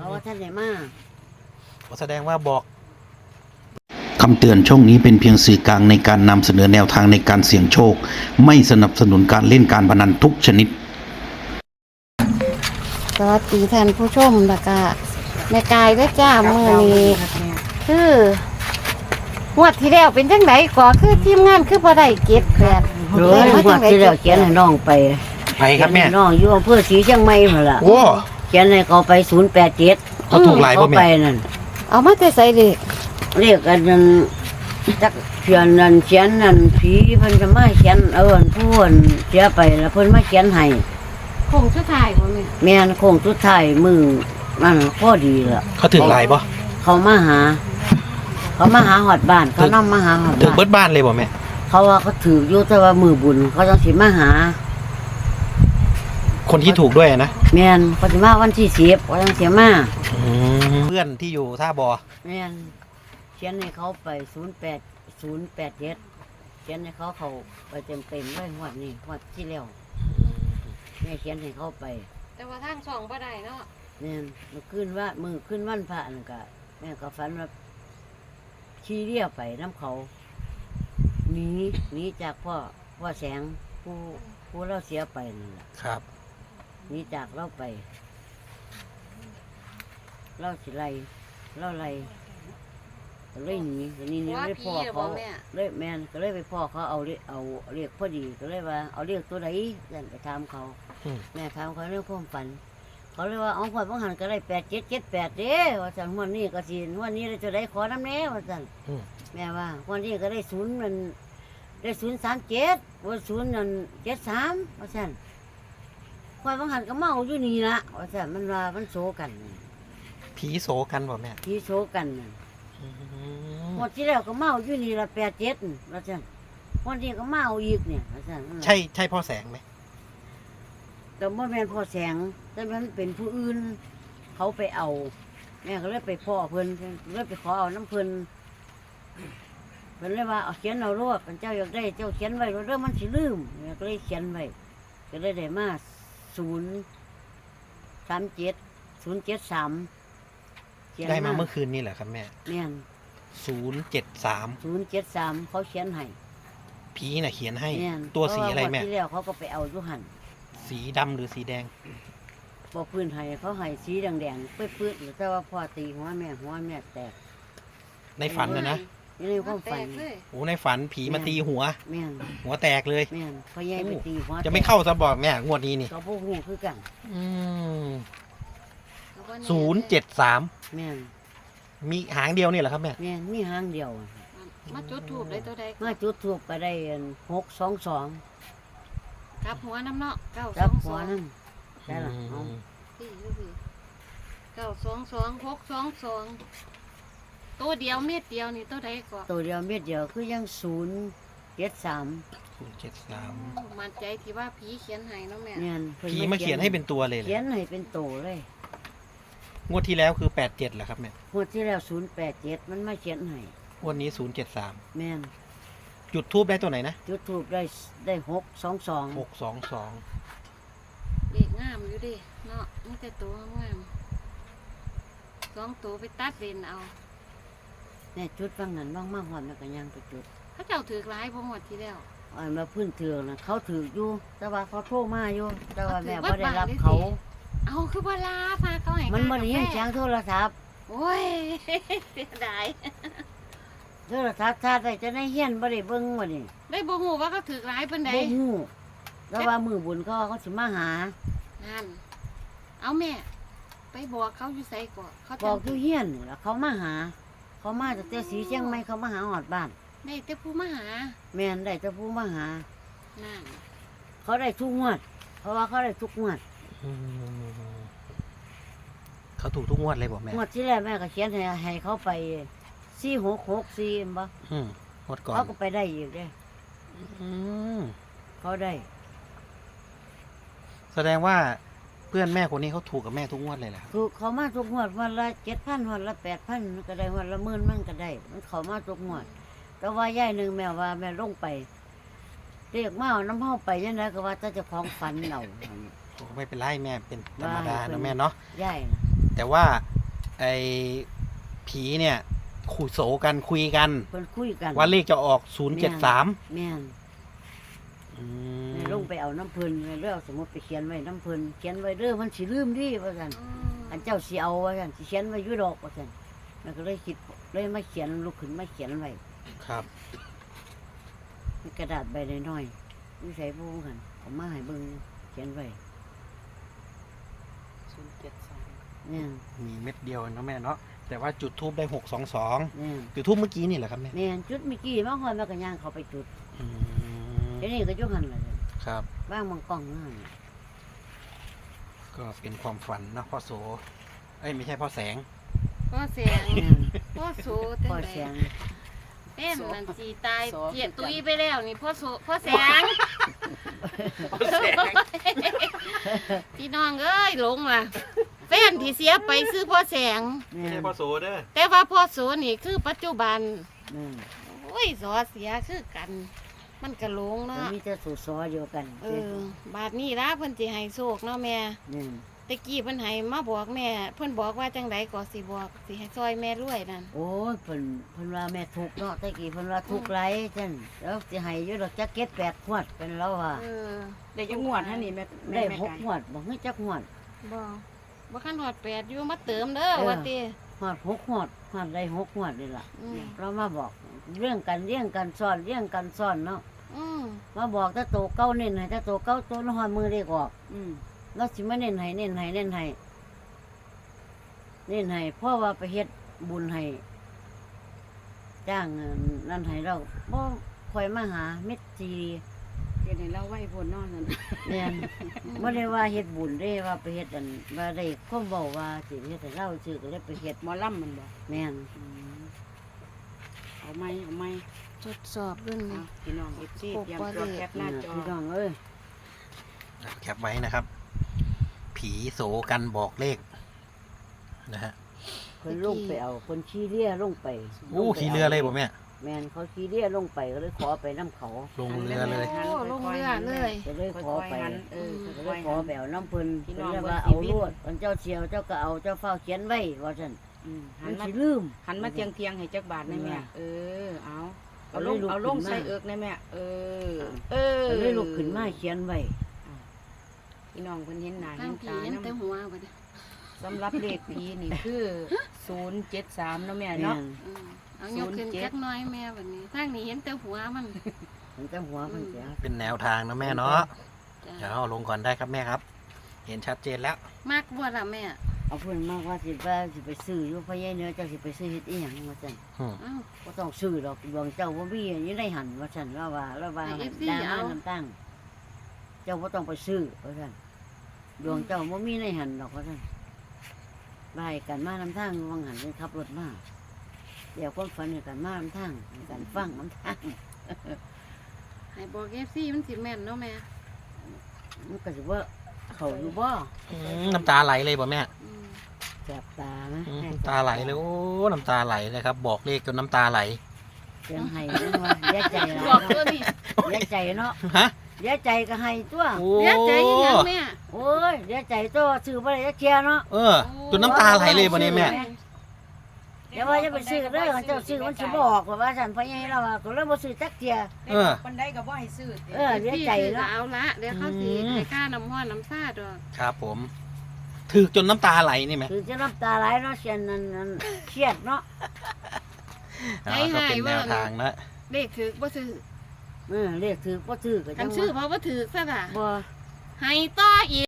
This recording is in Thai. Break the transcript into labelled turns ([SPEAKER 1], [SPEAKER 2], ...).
[SPEAKER 1] เพราะว่าท่านไหนมา
[SPEAKER 2] แสดงว่าบอก
[SPEAKER 3] คำเตือนช่องนี้เป็นเพียงสื่อกลางในการนำเสนอแนวทางในการเสี่ยงโชคไม่สนับสนุนการเล่นการพนันทุกชนิด
[SPEAKER 4] สวัสดีท่านผู้ชมแล้วก็แม่กายด้วยจ้ามือนี้คืองวดที่แล้วเป็นจังไดก่อคือทีมงานคือบ่ได้เก็บแบบ
[SPEAKER 1] เฮ้ยงวดที่แล้วเขียนให้น้องไป
[SPEAKER 2] ไปครับแม่
[SPEAKER 1] เขียนให้น้องอยู่อำเภอศรีเชียงใหม่พุ่นล่ะ
[SPEAKER 2] โอ้
[SPEAKER 1] เขียนให้เขาไป087
[SPEAKER 2] เขาถูกหลาย
[SPEAKER 1] เขา
[SPEAKER 2] ป่ะแม่
[SPEAKER 1] ไปนั่น
[SPEAKER 4] เอามาแต่ใส่เด็ก
[SPEAKER 1] เรียกกันนั่นจักเขียนนั่นเขียนนั่นผีเพิ่นจะมาเขียนผู้นเสียไปแล้วเพิ่นมาเขียนให้
[SPEAKER 4] คงสุดท้ายบ่แม่
[SPEAKER 1] แม่นโค้งสุดท้ายมือนั่นพอดีล่ะ
[SPEAKER 2] เขาถึงหลายป่ะ
[SPEAKER 1] เขามาหาฮอดบ้านเขานำมาหาฮอด
[SPEAKER 2] ถึง
[SPEAKER 1] บ้าน
[SPEAKER 2] เบิดบ้านเลยป่ะแม่
[SPEAKER 1] เขาว่าเขาถืออยู่แต่ว่ามือบุญเขาจังสิมาหา
[SPEAKER 2] คนที่ถูกด้วยนะ
[SPEAKER 1] แม่นเขาสิมาวันที่10เขาจังสิมา
[SPEAKER 2] เพื่อนที่อยู่ท่าบอ
[SPEAKER 1] แม่นเขียนให้เขาไป08087เขียนให้เขาไปเต็มๆเลยงวดนี้งวดที่แล้วแม่เขียนให้เขาไป
[SPEAKER 4] แต่ว่าทางช่องบ่ได้เนาะ
[SPEAKER 1] แม่นมือขึ้นวันพระนั่นก็แม่ก็ฝันว่าขี่เรียไปน้ำเขาหนีจากพ่อแสงผู้เราเสียไปนั่นแหละ
[SPEAKER 2] ครับ
[SPEAKER 1] หนีจากเราไปเราสิไล่เราไล่ก็เลยหนีทีนี้นี่เลยพ่อเขาเลยแม่นก็เลยไปพ่อเขาเอาเรียกพอดีก็เลยว่าเอาเรียกตัวไหนยันไปถามเขา แม่ถามเขาเรื่องความฝันเขาเลยว่าเอาขวดบางหันก็ได้8778เด้ว่าสั่นวันนี้ก็สิวันนี้จะได้ขอน้ำแน่ว่าสั่นแม่ว่าวันนี้ก็ได้0มันได้037ว่า0นั่น73ว่าสั่นขวดบางหันก็เมาอยู่นี่ละว่าสั่นมันว่ามันโศกัน
[SPEAKER 2] ผีโสกันป่ะแม่
[SPEAKER 1] ที่โศกันน่ะหมดที่แล้วก็เมาอยู่นี่ละ87ว่าสั่นวันนี้ก็เมาอีกเนี่ยว่าสั่น
[SPEAKER 2] ใช่พ่อแสงไหม
[SPEAKER 1] แต่เมื่อแม่นพ่อแสงแต่มันเป็นผู้อื่นเขาไปเอา แม่ก็เลยไปพ่อเพิ่นเลยไปขอเอาน้ำเพิ่นเพิ่นเลยว่าเอาเขียนเอารวดเป็นเจ้าอยากได้เจ้าเขียนไว้เรื่องมันสิลืมแม่ก็เลยเขียนไว้ก็เลยได้มา037 073
[SPEAKER 2] ได้มาเมื่อคืนนี่แหละครับแม่
[SPEAKER 1] แม่น
[SPEAKER 2] 073
[SPEAKER 1] 073เขาเขียนให้
[SPEAKER 2] ผีน่ะเขียนให้
[SPEAKER 1] แม่น
[SPEAKER 2] ตัวสีอะไรแม่
[SPEAKER 1] เพาว่าวันที่แล้วเขาก็ไปเอาอยู่หั่น
[SPEAKER 2] สีดำหรือสีแดง
[SPEAKER 1] บอกพื้นให้เขาให้สีแดงๆปื้ดๆแต่ว่าพ่อตีหัวแม่แตก
[SPEAKER 2] ในฝันนะ
[SPEAKER 1] นี่ในความฝัน
[SPEAKER 2] โอ้ในฝันผีมาตีหัว
[SPEAKER 1] แม่น
[SPEAKER 2] หัวแตกเลย
[SPEAKER 1] แม่นพ่อใหญ่ไปตีหัว
[SPEAKER 2] จะไม่เข้าซะบอกแม่งวดนี้นี่
[SPEAKER 1] ก็พวกหูคือกัน
[SPEAKER 2] 073
[SPEAKER 1] แม่น
[SPEAKER 2] มีหางเดียวนี่เหรอครับแม่
[SPEAKER 1] แม่นมีหางเดียวอะ
[SPEAKER 4] มาจุดทูบได้ตัวใด
[SPEAKER 1] มาจุดทูบก็ได้622
[SPEAKER 4] กลับหัวน้ำเนาะ
[SPEAKER 1] รับหัวนั่นได้ละเอา
[SPEAKER 4] พี่922 622ตัวเดียวเม็ดเดียวนี่ตัวใดก่อน
[SPEAKER 1] ตัวเดียวเม็ดเดียวคือยัง073
[SPEAKER 2] 073
[SPEAKER 4] มั่นใจที่ว่าผีเขียนให้เนาะแม่
[SPEAKER 1] แม่นพิ่
[SPEAKER 2] ผีมาเขียนให้เป็นตัวเลยเหร
[SPEAKER 1] เขีย
[SPEAKER 2] อน
[SPEAKER 1] ให้เป็นโตเลย
[SPEAKER 2] งวดที่แล้วคือ87เหรอครับแม่
[SPEAKER 1] งวดที่แล้ว087มันมาเขียนให้
[SPEAKER 2] งวดนี้073
[SPEAKER 1] แม่น
[SPEAKER 2] จุดทูบได้ตัวไหนนะ
[SPEAKER 1] จุดทูบได้622
[SPEAKER 2] 622
[SPEAKER 4] เด็กงามอยู่ดิเนาะมีแต่ตัวงาม2ตัวไปตัดเลนเอา
[SPEAKER 1] แน่จุดฟังนั้นบ้างมากหอมแล้วก็ยังไปจุด
[SPEAKER 4] เขาเจ้าถือหลายบ่หมดที่แล้ว
[SPEAKER 1] อันมาพื้นเถืองนะเขาถืออยู่ แต่ว่าเขาโทรมาอยู่ แต่ว่าแม่
[SPEAKER 4] เอาถือ
[SPEAKER 1] ไ่ได้รับ
[SPEAKER 4] ไว้
[SPEAKER 1] เขา
[SPEAKER 4] บ้านเลยสิ เอาคือบ่ลาพาเขาให้
[SPEAKER 1] มันบ่ได้ยิน
[SPEAKER 4] กา
[SPEAKER 1] เสีย
[SPEAKER 4] แฟ
[SPEAKER 1] งโทรศัพท์
[SPEAKER 4] โอ้ย เสียดาย
[SPEAKER 1] โทรศัพท์ชาติได้จะได้เฮียนบ่ได้เบิ่งบ่นี่
[SPEAKER 4] ได้บ่ฮู้ว่าเขาถือหลายปานใด
[SPEAKER 1] บ่ฮู้แต่ว่ามือบุญเขาสิมาหา
[SPEAKER 4] นั่นเอาแม่ ไปบอกเขาอยู่ไสก่อนเขา
[SPEAKER 1] บอกอยู่เฮียนนี่ล่ะเขามาหา เขามาจากแต่สีเชียงใหม่เขามาหาฮอดบ้าน
[SPEAKER 4] ได้แต่ผู้มาหา
[SPEAKER 1] แม่นได้แต่ผู้มาหา
[SPEAKER 4] นั่น
[SPEAKER 1] เขาได้ทุกงวด เพราะว่าเขาได้ทุกงวด
[SPEAKER 2] เขาถูกทุกงวดเลยบอกแม่
[SPEAKER 1] งวดที่แล้วแม่ก็เขียนให้เขาไป4664เห็นบ่
[SPEAKER 2] งวดก่อน
[SPEAKER 1] เขาก็ไปได้อีกเด้
[SPEAKER 2] อืม
[SPEAKER 1] เขาได้
[SPEAKER 2] แสดงว่าเพื่อนแม่คนนี้เขาถูกกับแม่ทุกงวดเลยแหละ
[SPEAKER 1] ถูกเขามาทุกงวดวันละ7,000วันละ8,000มันก็ได้วันละ10,000มันก็ได้ มันเขามาทุกงวด แต่ว่าย่ายหนึ่งแม่ว่าแม่ลงไปเรียกมาเอาน้ำเฮาไปยังไงก็ว่าถ้าจะของฝันเอา
[SPEAKER 2] ไม่เป็นไรแม่เป็นธรรมดานะแม่เนาะ
[SPEAKER 1] ย่ายนะ
[SPEAKER 2] แต่ว่าไอ้ผีเนี่ยคุยโสกันคุยกัน
[SPEAKER 1] เพิ่นคุยกัน
[SPEAKER 2] ว่าเลขจะออก073
[SPEAKER 1] แม่นแม่ลงไปเอาน้ำเพิ่นแม่เลยเอาสมุดไปเขียนไว้น้ำเพิ่นเขียนไว้เด้อมันสิลืมดิว่าซั่นอันเจ้าสิเอาว่าซั่นสิเขียนไว้อยู่ดอกว่าซั่นแม่ก็เลยคิดเลยมาเขียนลุกขึ้นมาเขียนไว้
[SPEAKER 2] ครับ
[SPEAKER 1] มีกระดาษใบน้อยๆนี่ใส่ผู้กันเอามาให้เบิ่งเขียนไว้เนี่ย
[SPEAKER 2] มีเม็ดเดียวเนาะแม่เนาะแต่ว่าจุดทูบได้622
[SPEAKER 1] เนี่ย
[SPEAKER 2] จุดทูบเมื่อกี้นี่แหละครับแม่
[SPEAKER 1] แม่นจุดเมื่อกี้มาหอยมาก็ย่างเขาไปจุด
[SPEAKER 2] อืม
[SPEAKER 1] เดี๋ยวนี้ก็จุดหันเลย
[SPEAKER 2] ครับ
[SPEAKER 1] ว่างมังกล้องนั่น
[SPEAKER 2] ก็เป็นความฝันนะพ่อโสเอ้ยไม่ใช่พ่อแสง
[SPEAKER 4] พ่อเสียง
[SPEAKER 1] แม่น
[SPEAKER 4] พ่อโส
[SPEAKER 1] พ่อแสง
[SPEAKER 4] เป็นนั่นสีตายเกียตุยไปแล้วนี่พ่อโสพ่อแสงพี่น้องเอ้ยหลงว่ะแฟนที่เสียไปซื้อพ่อแสง
[SPEAKER 1] แม่
[SPEAKER 2] ไม่ใช่
[SPEAKER 1] น
[SPEAKER 2] พ่อโสเด้อ
[SPEAKER 4] แต่ว่าพ่อโสนี่คือปัจจุบัน
[SPEAKER 1] แม่น
[SPEAKER 4] โอ้ยสอเสียคือกัน มันกระหลง
[SPEAKER 1] แล้ว
[SPEAKER 4] เนาะ
[SPEAKER 1] มีแต่สูตรซอเดียวกัน
[SPEAKER 4] บาดนี้ละเพิ่นสิให้โชคเนาะแม่
[SPEAKER 1] เนี่ย
[SPEAKER 4] ตะกี้เพิ่นให้มาบอกแม่ เพิ่นบอกว่าจังไดก็สิบอกสิให้ซอยแม่รวยนั่น
[SPEAKER 1] โอ้ยเพิ่นว่าแม่ทุกข์เนาะแต่กี้เพิ่นว่าทุกข์ไรจังแล้วสิให้อยู่ดอกจักเก็ด8ขวดเป็นแล้วว่า
[SPEAKER 5] ได้จังหวดฮะนี่แม่
[SPEAKER 1] ได้
[SPEAKER 5] แม่
[SPEAKER 1] 6ขวดบ่ให้จักขวด
[SPEAKER 4] บ่คันฮอด8อยู่มาเติมเด้อว่าติ
[SPEAKER 1] ขวด6ขวดขวดได้6ขวดนี่ล่ะ
[SPEAKER 4] อืม
[SPEAKER 1] เรามาบอกเรื่องกันเลี้ยงกันซ่อนเลี้ยงกันซ่อนเนาะ
[SPEAKER 4] อืม
[SPEAKER 1] มาบอกถ้าโตเก้าเน้นให้ถ้าโตเก้าตัวละหอยมือเรียกออก
[SPEAKER 5] อืม
[SPEAKER 1] เราสิมาเน้นให้เน้นให้เน้นให้เน้นให้เพราะว่าไปเฮ็ดบุญให้จ้างนั่นให้เราบ่ค่อยมาหาเม็ดจี
[SPEAKER 5] เฮ็ดให้เราไหวพ้นเนอนนั่น
[SPEAKER 1] เนี่ยบ่ได้ว่าเฮ็ดบุญเด้ว่าไปเฮ็ดอันว่าได้ความเว้าว่าสิเฮ็ดให้เราชื่อก็เลยไปเฮ็ด
[SPEAKER 5] หมอลำมันบ่
[SPEAKER 1] แม่น
[SPEAKER 5] อืมเอาไหม
[SPEAKER 4] ทดสอบรุ่น
[SPEAKER 5] เอา
[SPEAKER 4] นี้
[SPEAKER 5] พี่น้อง FC
[SPEAKER 4] ปก
[SPEAKER 5] เตรียม
[SPEAKER 4] บ่
[SPEAKER 5] ตัว
[SPEAKER 4] ได้
[SPEAKER 5] แคปหน้าจอ
[SPEAKER 1] พี่น้องเอ้ย
[SPEAKER 2] แคปไว้นะครับ ผีโสกันบอกเลขนะฮะ
[SPEAKER 1] เพิ่นลงไปเอาเพิ่นขี้เรือลงไป
[SPEAKER 2] อู้ขี่เรือเลยผมเนี่ย
[SPEAKER 1] แม่นเขาขี้เรือลงไปก็เลยขอไปนํเขา
[SPEAKER 2] ลงเรือเลย
[SPEAKER 4] โอ้ลงเรือเลย
[SPEAKER 1] ก็เลยขอไป
[SPEAKER 5] ค่อยๆหัน
[SPEAKER 1] ก็เล
[SPEAKER 5] ค่อย ยๆ
[SPEAKER 1] ขอ
[SPEAKER 5] หัน
[SPEAKER 1] ไปเอาน้ำเพิ่น
[SPEAKER 5] พี่
[SPEAKER 1] เพิ่
[SPEAKER 5] น้
[SPEAKER 1] น
[SPEAKER 5] อง
[SPEAKER 1] เรียกว่า
[SPEAKER 5] เบิ่
[SPEAKER 1] เอา
[SPEAKER 5] ง
[SPEAKER 1] ลวดเพิ่นเจ้าเชียวเจ้าก็เอาเจ้าเฝ้าเขียนไว้ว่าซั่น
[SPEAKER 5] อืม
[SPEAKER 1] มั
[SPEAKER 5] หั
[SPEAKER 1] น
[SPEAKER 5] นมา
[SPEAKER 1] สิลืม
[SPEAKER 5] หันมาเทียงให้จักบาทได้แม่เออเอาเอาลง
[SPEAKER 1] เอา
[SPEAKER 5] เอา
[SPEAKER 1] เลยลุก
[SPEAKER 5] ลง
[SPEAKER 1] ขึ้นมา
[SPEAKER 5] ใส่เอิกได้แม่เออเออ
[SPEAKER 1] ก็เลยลุกขึ้นมาเขียนไว้
[SPEAKER 5] พี่น้องเพิ่นเห็นหน้า
[SPEAKER 4] ตั้
[SPEAKER 5] เห็
[SPEAKER 4] ง
[SPEAKER 5] น
[SPEAKER 4] ผี
[SPEAKER 5] ตา
[SPEAKER 4] เห็นแต่
[SPEAKER 5] นำ
[SPEAKER 4] หัวบัดนี้
[SPEAKER 5] สำหรับเลขผีนี่คือ073เนาะแม่
[SPEAKER 1] แม่
[SPEAKER 5] เนาะ
[SPEAKER 1] น
[SPEAKER 4] เอายกขึ้นจักหน้อยแม่บัดนี้ทางนี้เห็นแต่หัวมัน
[SPEAKER 1] มันจะหัวมันเสีย
[SPEAKER 2] เป็นแนวทางนะแม่เนาะ
[SPEAKER 4] จ้ะ
[SPEAKER 2] เดี๋ยวเอาลงก่อนได้ครับแม่ครับ เห็นชัดเจนแล้ว
[SPEAKER 4] มากบ่ล่ะแม่
[SPEAKER 1] เอาเพิ่นมากว่าสิไปซื้ออยู่พะยายเนื้อเจ้าสิไปซื้อเฮ็ดอีหยังว่าซั่น
[SPEAKER 4] อ้าว
[SPEAKER 1] บ่ต้องซื้อดอกดวงเจ้าบ่มีอยู่ในหันว่าซั่นว่า
[SPEAKER 4] ให้ FC
[SPEAKER 1] ดา
[SPEAKER 4] เอา
[SPEAKER 1] มาน้ำตั้งเจ้าบ่ต้องไปซื้อว่าซั่นดวงเจ้าบ่มีในหันดอกว่าซั่นบายกันมาน้ำทางวังหันเลยขับรถมาเดี๋ยวความฝันให้กันมาน้ำทางให้กันฟังน้ำทาง
[SPEAKER 4] ให้บอก FC มันสิแม่นเนาะแม่
[SPEAKER 1] มันก็สิว่าเขาอยู่บ่
[SPEAKER 2] น้ำตาไหลเลยป่ะแม่
[SPEAKER 4] อืม
[SPEAKER 1] แสบตาไหม
[SPEAKER 2] น้ำตาไหลเลยโอ้น้ำตาไหลเลยครับ บอกเลขจนน้ำตาไหล
[SPEAKER 1] เสียงไห้เนาะเสียใจหลาย
[SPEAKER 4] บอก
[SPEAKER 1] เนาะ
[SPEAKER 4] ตัวนี้
[SPEAKER 1] เสียใจเนาะ
[SPEAKER 2] ฮะ
[SPEAKER 1] เสียใจก็ให้ตัว
[SPEAKER 2] โอ้
[SPEAKER 4] เสียใจอีหยังแม่
[SPEAKER 1] โอ้ยเสียใจตัวซื้อบ่ได้จักเที่ยเนาะ
[SPEAKER 2] เออจนน้ำตาไหลเลยป่ะเนี่ยแม่
[SPEAKER 1] เดี๋ยวว่าจะไปซื้อเด้อเจ้าซื้อมันสิบ่ออกว่าซั่นเพราะยังเราว่าก็เลยบ่ซื้อจักเที่ย
[SPEAKER 2] เออ
[SPEAKER 5] คนใดก็บ่ให้ซื้อติ
[SPEAKER 1] เสียใจ
[SPEAKER 4] พี่
[SPEAKER 1] เนาะ
[SPEAKER 4] เอาละเดี๋ยวเขาสิ
[SPEAKER 2] อืม
[SPEAKER 4] ให้ค่าน้ำห้อนน้ำซ่าดอก
[SPEAKER 2] ครับผมถือจนน้ำตาไหลนี่ไหม
[SPEAKER 1] คือจะน้ำตาไหลเนาะเสียนนั่นเครียดเนาะ
[SPEAKER 2] อ๋อก็เป็นแนวทางนะ
[SPEAKER 4] เลขถือบ่ถือ
[SPEAKER 1] เรียกถือบ่ถือก็
[SPEAKER 4] กั
[SPEAKER 1] จั
[SPEAKER 4] น
[SPEAKER 1] ง
[SPEAKER 4] ชื่อ
[SPEAKER 1] ว่า
[SPEAKER 4] เพราะว่าถือซะล่ะ
[SPEAKER 1] บ่
[SPEAKER 4] ให้ต่ออีก